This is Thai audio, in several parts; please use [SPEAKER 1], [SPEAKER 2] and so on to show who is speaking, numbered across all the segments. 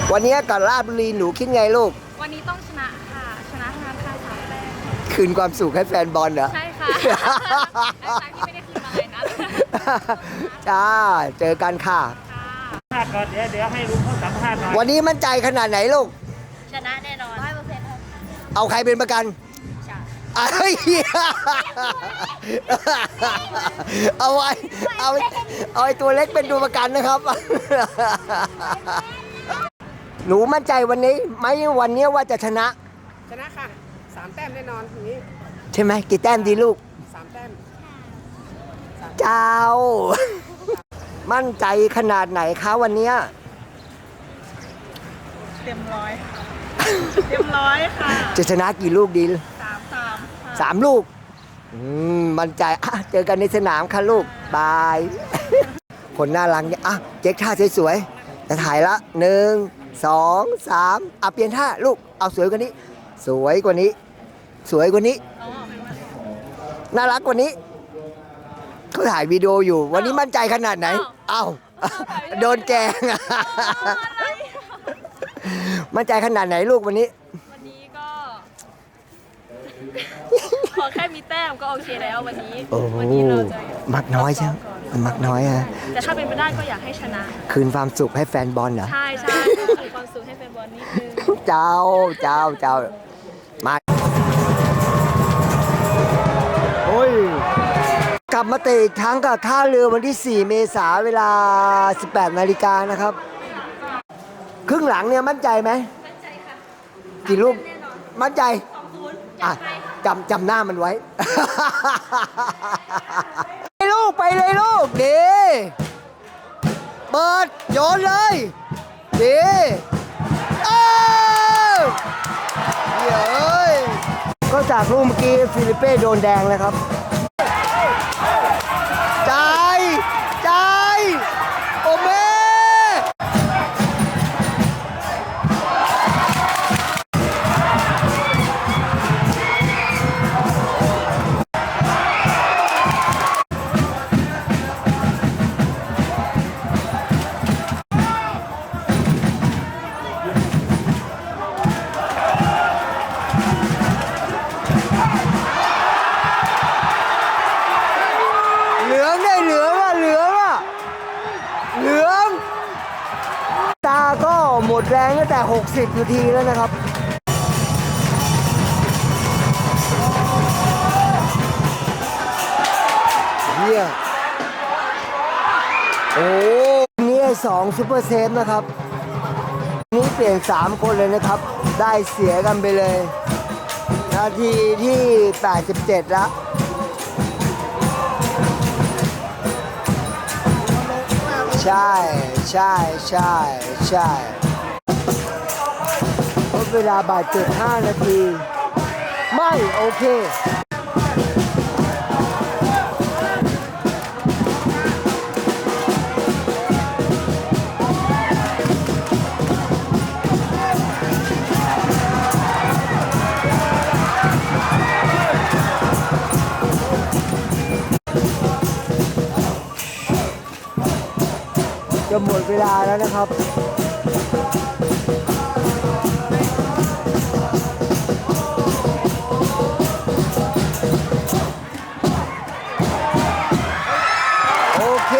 [SPEAKER 1] วันนี้กับราชบุรีหนูคิดไงลูก
[SPEAKER 2] วันนี้ต้องชนะค่ะชนะทางค่ะ3 แต้ม
[SPEAKER 1] คืนความสุขให้แฟนบอลเหรอ
[SPEAKER 2] ใช่ค่ะไอ้ครั้งที่ไม่ได้คืนมาเลยนะ
[SPEAKER 1] จ้าเจอกันค่ะ
[SPEAKER 3] ก่อนเดี๋ยวให้ลุงเขาสัมภาษณ์หน่อย
[SPEAKER 1] วันนี้มั่นใจขนาดไหนลูก
[SPEAKER 2] ชนะแน่นอน100%ครับ
[SPEAKER 1] เอาใครเป็นประกันเฮ้ยเอาไอ้ตัวเล็กเป็นตัวประกันนะครับหนูมั่นใจวันนี้ไหมวันนี้ว่าจะชนะ
[SPEAKER 4] ค่ะ3 แต้มแน่นอนทีนี้
[SPEAKER 1] ใช่ไหมกี่แต้มดีลูก
[SPEAKER 4] 3 แต้ม
[SPEAKER 1] เจ้ามั่นใจขนาดไหนคะวันนี้
[SPEAKER 4] เต็มร้อยค่ะ
[SPEAKER 1] จะชนะกี่ลูกดี
[SPEAKER 4] 3
[SPEAKER 1] ลูกมั่นใจเจอกันในสนามค่ะลูกบายคนน่ารักเนี่ยเจ๊กท่าสวยๆจะถ่ายละ1 2 3เปลี่ยนท่าลูกเอาสวยกว่านี้สวยกว่านี้น่ารักกว่านี้เขาถ่ายวิดีโออยู่วันนี้มั่นใจขนาดไหนโดนแกงมั่นใจขนาดไหนลูกวันนี้
[SPEAKER 2] ก็ขอแค่มีแต้มก็โอเคแล้ววันนี้เราจะ
[SPEAKER 1] มักน้อยใช่ไหมมักน้อยฮะ
[SPEAKER 2] แต่ถ้าเป็นไปได้ก็อยากให้ชนะ
[SPEAKER 1] คืนความสุขให้แฟนบอลเหรอ
[SPEAKER 2] ใช่คืนความสุขให้แฟนบอลนิดนึง
[SPEAKER 1] เจ้ามาโอ้ยกลับมาเตะอีกครั้งกับท่าเรือวันที่4 เมษายนเวลา 18 นาฬิกานะครับครึ่งหลังเนี่ยมั่นใจไหม
[SPEAKER 2] มั่นใจค่ะ
[SPEAKER 1] กี่ลูกมั่นใจจำหน้ามันไว้ไปเลยลูกดีเปิดโยนเลยดีเฮ้ยก็จากลูกเมื่อกี้ฟิลิเป้โดนแดงเลยครับใจโอเมตาก็หมดแรงตั้งแต่60 นาทีแล้วนะครับเนี่ยนี่2 ซุปเปอร์เซฟนะครับนี่เปลี่ยน3 คนเลยนะครับได้เสียกันไปเลยนาทีที่87แล้วใช่เพราะเวลาบาดเจ็บ5 นาทีไม่โอเคจะหมดเวลาแล้วนะครับโอเค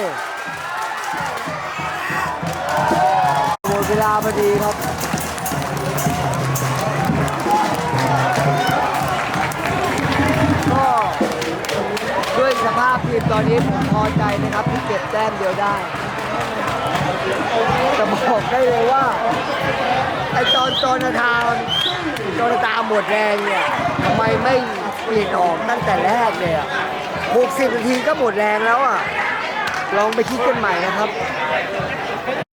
[SPEAKER 1] หมดเวลาพอดีครับก็ด้วยสภาพทีมตอนนี้ผมพอใจนะครับที่เก็บแต้มเดียวได้แต่บอกได้เลยว่าไอ้ตอนโจนาธานหมดแรงเนี่ยทำไมไม่เปลี่ยนออกตั้งแต่แรกเลย60 นาทีก็หมดแรงแล้วลองไปคิดกันใหม่นะครับ